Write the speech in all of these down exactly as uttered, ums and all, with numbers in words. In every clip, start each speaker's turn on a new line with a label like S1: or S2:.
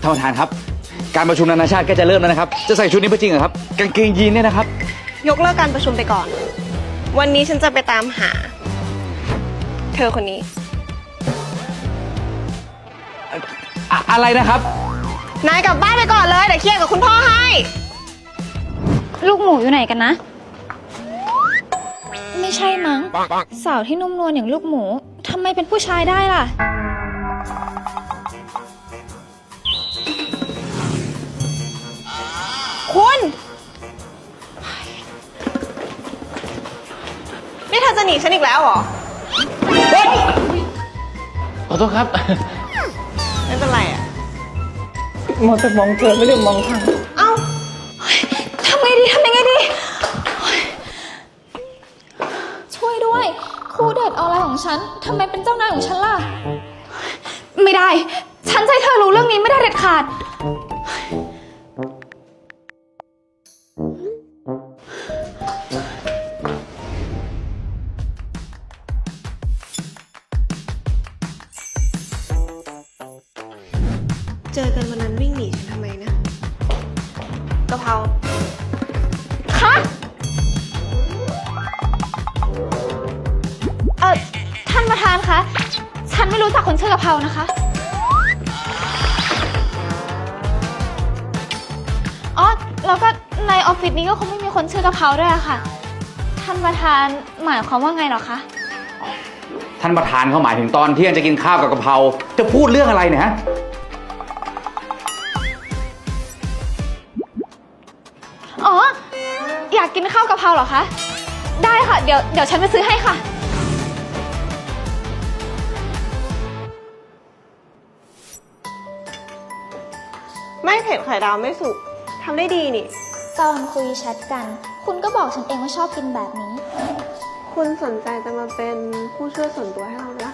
S1: ท่านประธานครับการประชุมนานาชาติก็จะเริ่มแล้วนะครับจะใส่ชุดนี้ไปจริงเหรอครับกางเกงยีนเนี่ยนะครับ
S2: ยกเลิกการประชุมไปก่อนวันนี้ฉันจะไปตามหาเธอคนนี้
S1: อะอะไรนะครับ
S2: นายกลับบ้านไปก่อนเลยเดี๋ยวเคลียร์กับคุณพ่อให้
S3: ลูกหมูอยู่ไหนกันนะไม่ใช่มั้งสาวที่นุ่มนวลอย่างลูกหมูทำไมเป็นผู้ชายได้ล่ะ
S2: คุณนี่เธอจะหนีฉันอีกแล้วเหรอ
S1: ขอโทษครับ
S2: ไม่เป็นไรอะ
S4: มองแต่มองเธอไม่ได้มองทาง
S2: เอ้า
S3: ทำไงดีทำยังไงดีช่วยด้วยครูเด็กออนไลน์ของฉันทำไมเป็นเจ้านายของฉันล่ะไม่ได้ฉันจะให้เธอรู้เรื่องนี้ไม่ได้เด็ดขาด
S2: เจอกันวันนั้นวิ่งหนีฉันทำไมนะกะเพรา
S3: คะเออท่านประธานคะฉันไม่รู้จักคนชื่อกะเพรานะคะอ๋อแล้วก็ในออฟฟิศนี้ก็คงไม่มีคนชื่อกะเพราด้วยอะค่ะท่านประธานหมายความว่าไงหรอคะ
S1: ท่านประธานเขาหมายถึงตอนเที่ยงจะกินข้าวกับกะเพราจะพูดเรื่องอะไรเนี่ยฮะ
S3: อ๋ออยากกินข้าวกะเพราเหรอคะได้ค่ะเดี๋ยวเดี๋ยวฉันไปซื้อให้ค่ะ
S2: ไม่เผ็ดไข่ดาวไม่สุกทำได้ดีนี่
S3: ตอนคุยแชทกันคุณก็บอกฉันเองว่าชอบกินแบบนี้
S2: คุณสนใจจะมาเป็นผู้ช่วยส่วนตัวให้เราไหม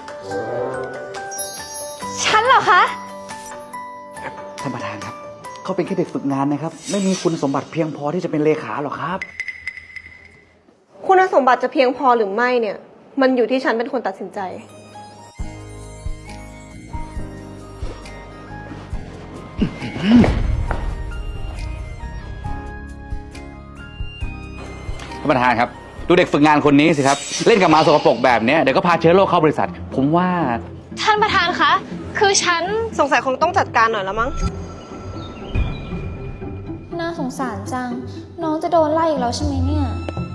S3: ฉันเหรอคะ
S1: ท่านประธานครับเขาเป็นแค่เด็กฝึกงานนะครับไม่มีคุณสมบัติเพียงพอที่จะเป็นเลขาหรอกครับ
S2: คุณสมบัติจะเพียงพอหรือไม่เนี่ยมันอยู่ที่ฉันเป็นคนตัดสินใจ
S1: ท่านประธานครับดูเด็กฝึกงานคนนี้สิครับเล่นกับหมาสกปรกแบบนี้เดี๋ยวก็พาเชื้อโรคเข้าบริษัทผมว่า
S3: ท่านประธานคะคือฉัน
S2: สงสัยคงต้องจัดการหน่อยแล้วมั้ง
S3: น่าสงสารจังน้องจะโดนไล่อีกแล้วใช่ไหมเนี่ย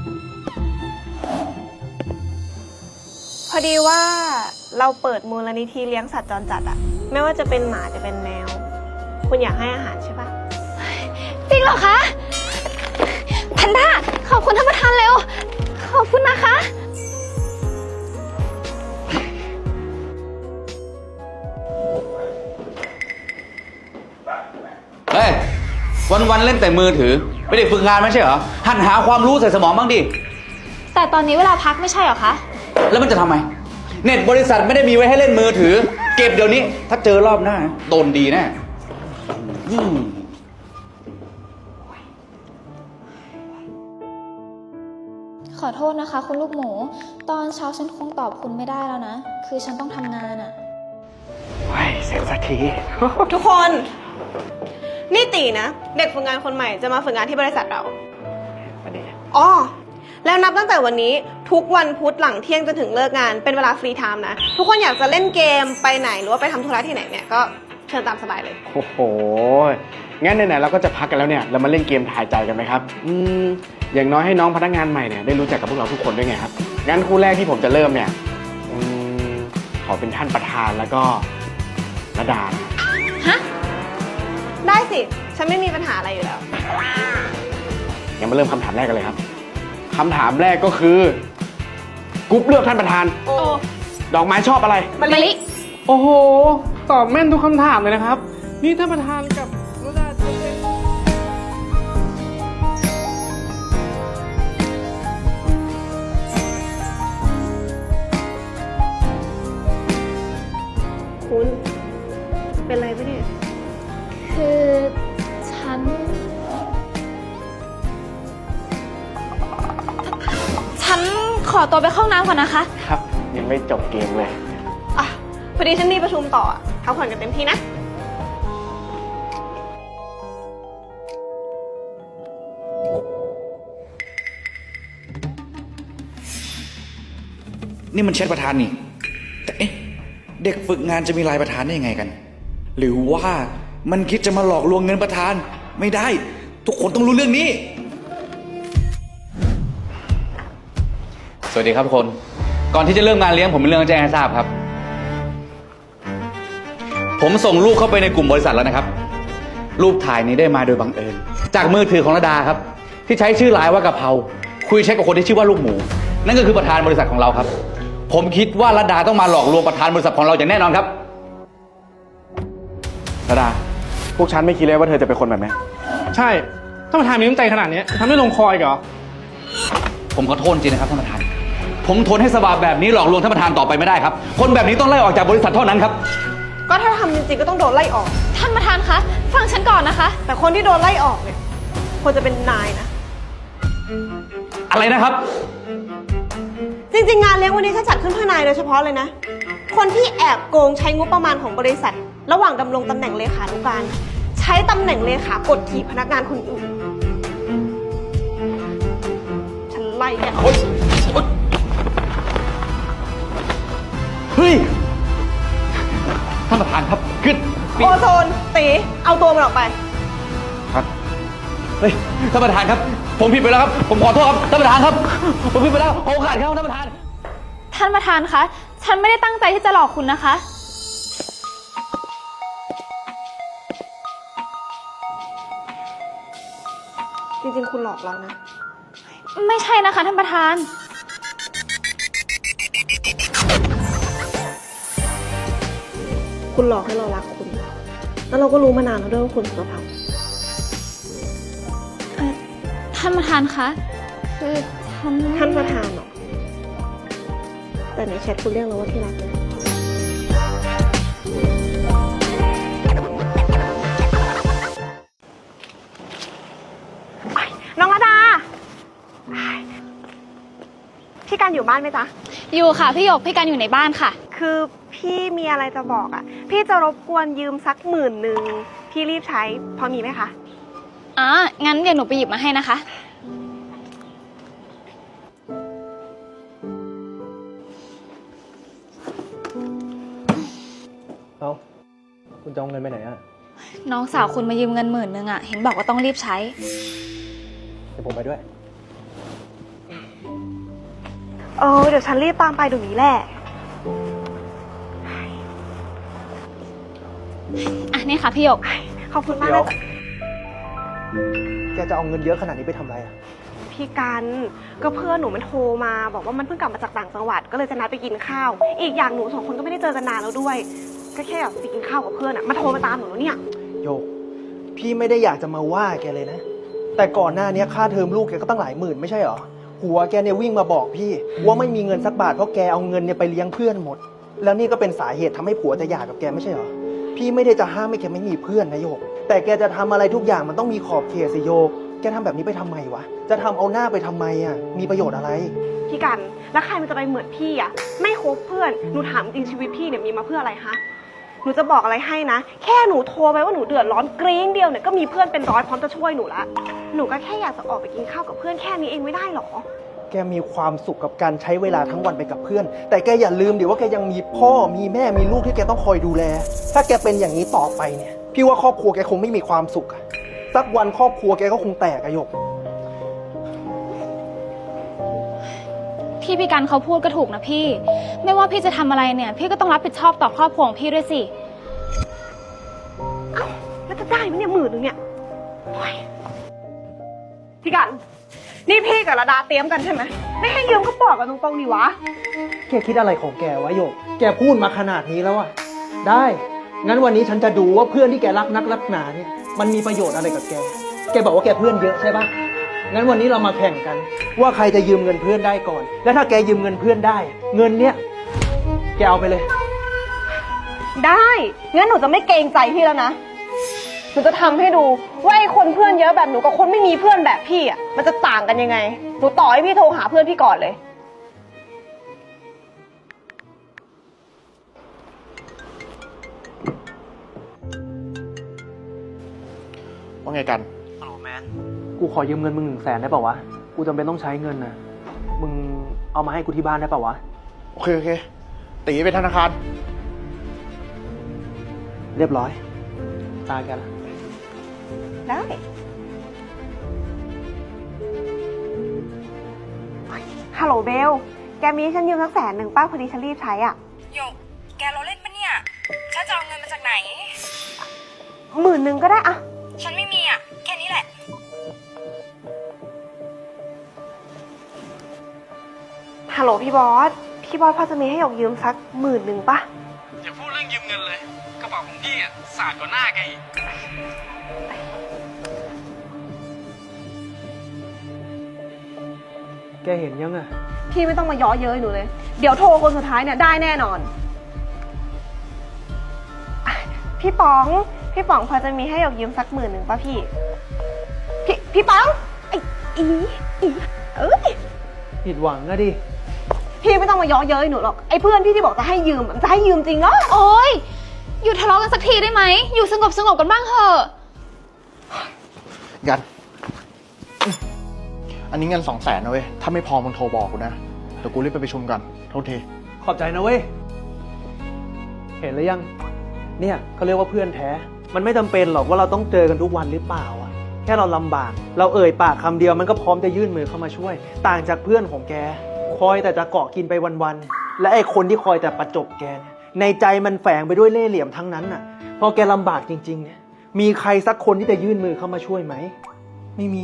S2: พอดีว่าเราเปิดมูลนิธิเลี้ยงสัตว์จรจัดอะไม่ว่าจะเป็นหมาจะเป็นแมวคุณอยากให้อาหารใช่ปะ
S3: จริงเหรอคะแพนด้าขอบคุณท่านประธานเร็วขอบคุณนะคะ
S1: เฮ้ยวันๆเล่นแต่มือถือไม่ได้ฝึกงานไม่ใช่เหรอหันหาความรู้ใส่สมองบ้างดิ
S3: แต่ตอนนี้เวลาพักไม่ใช่เหรอคะ
S1: แล้วมันจะทำไมเน็ตบริษัทไม่ได้มีไว้ให้เล่นมือถือเก็บเดี๋ยวนี้ถ้าเจอรอบหน้าโดนดีแน่
S3: ขอโทษนะคะคุณลูกหมูตอนเช้าฉันคงตอบคุณไม่ได้แล้วนะคือฉันต้องทำงานอะ
S1: ว้ายเสร็จสักที
S2: ทุกคนนี่ตีนะเด็กฝึกงานคนใหม่จะมาฝึกงานที่บริษัทเราอ๋อแล้วนับตั้งแต่วันนี้ทุกวันพุธหลังเที่ยงจนถึงเลิกงานเป็นเวลาฟรีไทม์นะทุกคนอยากจะเล่นเกมไปไหนหรือว่าไปทำธุระที่ไหนเนี่ยก็เชิญตามสบายเลย
S4: โอ้โหงั้นไหนๆเราก็จะพักกันแล้วเนี่ยเรามาเล่นเกมถ่ายใจกันไหมครับอืมอย่างน้อยให้น้องพนักงานใหม่เนี่ยได้รู้จักกับพวกเราทุกคนด้วยไงครับงั้นคู่แรกที่ผมจะเริ่มเนี่ยอืมขอเป็นท่านประธานแล้วก็ระดา
S3: ฮะ
S2: ได้สิฉันไม่มีปัญหาอะไรอยู่แล้ว
S4: งั้นมาเริ่มคำถามแรกกันเลยครับคำถามแรกก็คือกรุ๊ปเลือกท่านประธาน
S2: โอ้
S4: ดอกไม้ชอบอะไร
S3: มะลิ
S4: โอ้โหตอบแม่นทุกคำถามเลยนะครับนี่ท่านประธานกับระดาจะเป็น
S2: คุณเป็นไรปะเนี่ย
S3: คือฉันฉันขอตัวไปเข้าน้ำก่อนนะคะ
S4: ครับยังไม่จบเกมเลย
S2: อ่ะพอดีฉันมีประชุมต่อพักผ่อนกันเต็มที่นะ
S1: นี่มันแชทประธานนี่แต่เอ๊ะเด็กฝึกงานจะมีไลน์ประธานได้ยังไงกัน หรือว่ามันคิดจะมาหลอกลวงเงินประธานไม่ได้ ทุกคนต้องรู้เรื่องนี้ สวัสดีครับทุกคนก่อนที่จะเริ่มงานเลี้ยงผมมีเรื่องจะแจ้งให้ทราบครับ ผมส่งรูปเข้าไปในกลุ่มบริษัทแล้วนะครับ รูปถ่ายนี้ได้มาโดยบังเอิญจากมือถือของระดาครับที่ใช้ชื่อไลน์ว่ากะเพราคุยแชทกับคนที่ชื่อว่าลูกหมูนั่นก็คือประธานบริษัทของเราครับผมคิดว่าระดาต้องมาหลอกลวงประธานบริษัทของเราอย่างแน่นอนครับ
S4: ระดา พวกฉันไม่คิดเลยว่าเธอจะเป็นคนแบบนี้
S5: ใช่ท่านประธานมีน้ำใจขนาดนี้ทำให้ลงคอยเหรอ
S1: ผมขอโทษจริงนะครับท่านประธานผมทนให้สบาแบบนี้หลอกลวงท่านประธานต่อไปไม่ได้ครับคนแบบนี้ต้องไล่ออกจากบริษัทเท่านั้นครับ
S2: ก็ถ้าทำจริงๆก็ต้องโดนไล่ออก
S3: ท่านประธานคะ ฟังฉันก่อนนะคะ
S2: แต่คนที่โดนไล่ออกเนี่ยควรจะเป็นนายนะ
S1: อะไรนะครับ
S2: จริงๆงานเลี้ยงวันนี้ฉันจัดขึ้นเพื่อนายโดยเฉพาะเลยนะ คนที่แอบโกงใช้งบประมาณของบริษัท ระหว่างดำรงตำแหน่งเลขานุการใช้ตำแหน่งเลขากดขี่พนักงานคนอื่น ฉันไล่แกออก
S1: เฮ้ยท่านประธานครับขึ้น
S2: โอโซนตีเอาตัวมันออกไป
S1: ครับเฮ้ยท่านประธานครับผมผิดไปแล้วครับผมขอโทษครับท่านประธานครับผมผิดไปแล้วผมขาดครับท่านประธาน
S3: ท่านประธานคะ ฉันไม่ได้ตั้งใจที่จะหลอกคุณนะคะ
S2: จริงๆคุณหลอกเรานะ
S3: ไม่ใช่นะคะท่านประธาน
S2: คุณหลอกให้เรารักคุณ แล้วเราก็รู้มานานแล้วด้วยว่าคุณสุภาพ
S3: เอ่อท่านประธานคะ คือฉัน
S2: ท่านประธานเหรอ แต่ในแชทคุณเรียกเราว่าที่รักนะน้องระดา พี่การอยู่บ้านไหมจ๊ะ
S3: อยู่ค่ะพี่หยกพี่กันอยู่ในบ้านค่ะ
S2: คือพี่มีอะไรจะบอกอ่ะ พี่จะรบกวนยืมสักหมื่นหนึ่งพี่รีบใช้ พอมีไหมคะ
S3: อ๋อ งั้นเดี๋ยวหนูไปหยิบมาให้นะคะ
S5: เอ้า คุณจะเอาเงินไปไหนอ่ะ
S3: น้องสาวคุณมายืมเงินหมื่นนึงอ่ะ เห็นบอกว่าต้องรีบใช้
S5: เดี๋ยวผมไปด้วย
S2: เออเดี๋ยวฉันรีบตามไปเดี๋ยวนี้แหละ
S3: อ่ะนี่ค่ะพี่หยก
S2: ขอบคุณมาก
S5: เดี๋ยว
S2: นะ
S5: แกจะเอาเงินเยอะขนาดนี้ไปทำอะไรอ่ะ
S2: พี่กันก็เพื่อนหนูมันโทรมา บอกว่ามันเพิ่งกลับมาจากต่างจังหวัดก็เลยจะนัดไปกินข้าว อีกอย่างหนูสองคนก็ไม่ได้เจอกันนานแล้วด้วย ก็แค่แบบไปกินข้าวกับเพื่อนอะมาโทรมาตามหนูแล้วเนี่ย
S5: โยก พี่ไม่ได้อยากจะมาว่าแกเลยนะ แต่ก่อนหน้านี้ค่าเทอมลูกแกก็ตั้งหลายหมื่นไม่ใช่เหรอ หัวแกเนี่ยวิ่งมาบอกพี่ว่าไม่มีเงินสักบาทเพราะแกเอาเงินเนี่ยไปเลี้ยงเพื่อนหมด แล้วนี่ก็เป็นสาเหตุทำให้ผัวจะหย่ากับแกไม่ใช่เหรอ พี่ไม่ได้จะห้ามให้แกไม่มีเพื่อนนะโยก แต่แกจะทำอะไรทุกอย่างมันต้องมีขอบเขตสิโยก แกทำแบบนี้ไปทำไมวะ จะทำเอาหน้าไปทำไมอ่ะ มีประโยชน์อะไร
S2: พี่กันแล้วใครมันจะไปเหมือนพี่อะไม่คบเพื่อนหนูถามจริงชีวิตพี่เนี่ยมีมาเพื่ออะไรฮะหนูจะบอกอะไรให้นะ แค่หนูโทรไปว่าหนูเดือดร้อนกรี๊งเดียวเนี่ยก็มีเพื่อนเป็นร้อยพร้อมจะช่วยหนูละหนูก็แค่อยากจะออกไปกินข้าวกับเพื่อนแค่นี้เองไม่ได้หรอ
S5: แกมีความสุขกับการใช้เวลาทั้งวันไปกับเพื่อน แต่แกอย่าลืมดิว่าแกยังมีพ่อมีแม่มีลูกที่แกต้องคอยดูแล ถ้าแกเป็นอย่างนี้ต่อไปเนี่ย พี่ว่าครอบครัวแกคงไม่มีความสุขอะสักวันครอบครัวแกก็คงแตกอะโยก
S3: ที่พี่กันเขาพูดก็ถูกนะพี่ ไม่ว่าพี่จะทำอะไรเนี่ย พี่ก็ต้องรับผิดชอบต่อครอบครัวของพี่ด้วยสิ
S2: เอ้าแล้วจะได้ไหมเนี่ยหมื่นนึงเนี่ยโอ๊ยพี่กันนี่พี่กับระดาเตรียมกันใช่ไหมไม่ให้ยืมก็บอกกันตรงๆดิวะ
S5: แกคิดอะไรของแกวะโยก แกพูดมาขนาดนี้แล้วอะได้ งั้นวันนี้ฉันจะดูว่าเพื่อนที่แกรักนักรักหนาเนี่ยมันมีประโยชน์อะไรกับแก แกบอกว่าแกเพื่อนเยอะใช่ปะงั้นวันนี้เรามาแข่งกัน ว่าใครจะยืมเงินเพื่อนได้ก่อน และถ้าแกยืมเงินเพื่อนได้ เงินเนี้ยแกเอาไปเลย
S2: ได้งั้นหนูจะไม่เกรงใจพี่แล้วนะหนูจะทำให้ดูว่าไอ้คนเพื่อนเยอะแบบหนูกับคนไม่มีเพื่อนแบบพี่อ่ะมันจะต่างกันยังไงหนูต่อให้พี่โทรหาเพื่อนพี่ก่อนเลย
S4: ว่าไงกัน
S5: ฮัลโหลแมน กูขอยืมเงินมึงหนึ่งแสนได้ป่าวะ กูจำเป็นต้องใช้เงินนะมึงเอามาให้กูที่บ้านได้ป่าวะ
S4: โอเค โอเค ตีไปธนาคาร
S5: เรียบร้อย ตาแกละ
S2: ได้ ฮัลโหลเบล แกมีให้ฉันยืมสักแสนหนึ่งป้าพอดีฉันรีบใช้อ่ะ
S6: หยก แกเราเล่นปะเนี่ย ฉันจะเอาเงินมาจากไหน
S2: หมื่นหนึ่งก็ได้อะ
S6: ฉันไม่มีอ่ะ แค่นี้แหละ
S2: ฮัลโหลพี่บอส พี่บอสพอจะมีให้หยกยืมสักหมื่นหนึ่งปะ
S1: อย่าพูดเรื่องยืมเงินเลย กระเป๋าของพี่อ่ะสาดกว่าหน้าแกอีก
S5: แกเห็นยังอะ
S2: พี่ไม่ต้องมาย้อเย้ยหนูเลย เดี๋ยวโทรคนสุดท้ายเนี่ยได้แน่นอนอ่ะพี่ป๋อง พี่ป๋องพอจะมีให้หยกยืมสักหมื่นหนึ่งป่ะพี่ พี่ พี่ป๋องไอ้อีอีเอ้ย
S5: ผิดหวังอะดิ
S2: พี่ไม่ต้องมาย้อเย้ยหนูหรอก ไอ้เพื่อนพี่ที่บอกจะให้ยืมมันจะให้ยืมจริงเหรอ
S3: โอ๊ย หยุดทะเลาะกันสักทีได้ไหม อยู่สงบสงบกันบ้างเถอะ
S4: กัน อันนี้เงินสองแสนนะเว้ย ถ้าไม่พอมึงโทรบอกกูนะ เดี๋ยวกูรีบไปประชุมก่อนโทษที
S5: ขอบใจนะเว้ย เห็นหรือยัง เนี่ยเขาเรียกว่าเพื่อนแท้ มันไม่จำเป็นหรอกว่าเราต้องเจอกันทุกวันหรือเปล่าอะแค่เราลำบาก เราเอ่ยปากคำเดียวมันก็พร้อมจะยื่นมือเข้ามาช่วย ต่างจากเพื่อนของแก คอยแต่จะเกาะกินไปวันๆ และไอ้คนที่คอยแต่ประจบแกเนี่ย ในใจมันแฝงไปด้วยเล่ห์เหลี่ยมทั้งนั้นน่ะ พอแกลำบากจริงๆ เนี่ย มีใครสักคนที่จะยื่นมือเข้ามาช่วยไหม ไม่มี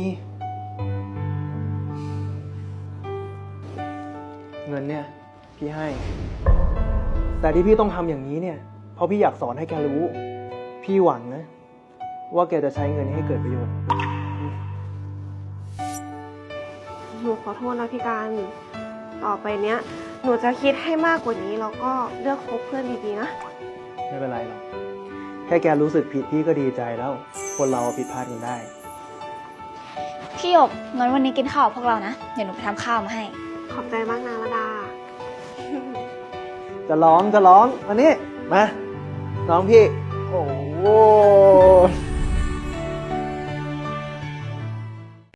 S5: เงินเนี่ยพี่ให้ แต่ที่พี่ต้องทำอย่างนี้เนี่ย เพราะพี่อยากสอนให้แกรู้ พี่หวังนะ ว่าแกจะใช้เงินนี้ให้เกิดประโยชน์
S2: หนูขอโทษนะพี่การ ต่อไปเนี้ย หนูจะคิดให้มากกว่านี้แล้วก็เลือกคบเพื่อนดีๆนะ
S5: ไม่เป็นไรหรอก แค่แกรู้สึกผิดพี่ก็ดีใจแล้ว คนเราผิดพลาดกันได้
S3: พี่หยกงั้นวันนี้กินข้าวกับพวกเรานะ เดี๋ยวหนูไปทำข้าวมาให้
S2: ขอบใจมากนะระดา
S5: จะร้องจะร้องมานี่มาน้องพี่ โอ้โห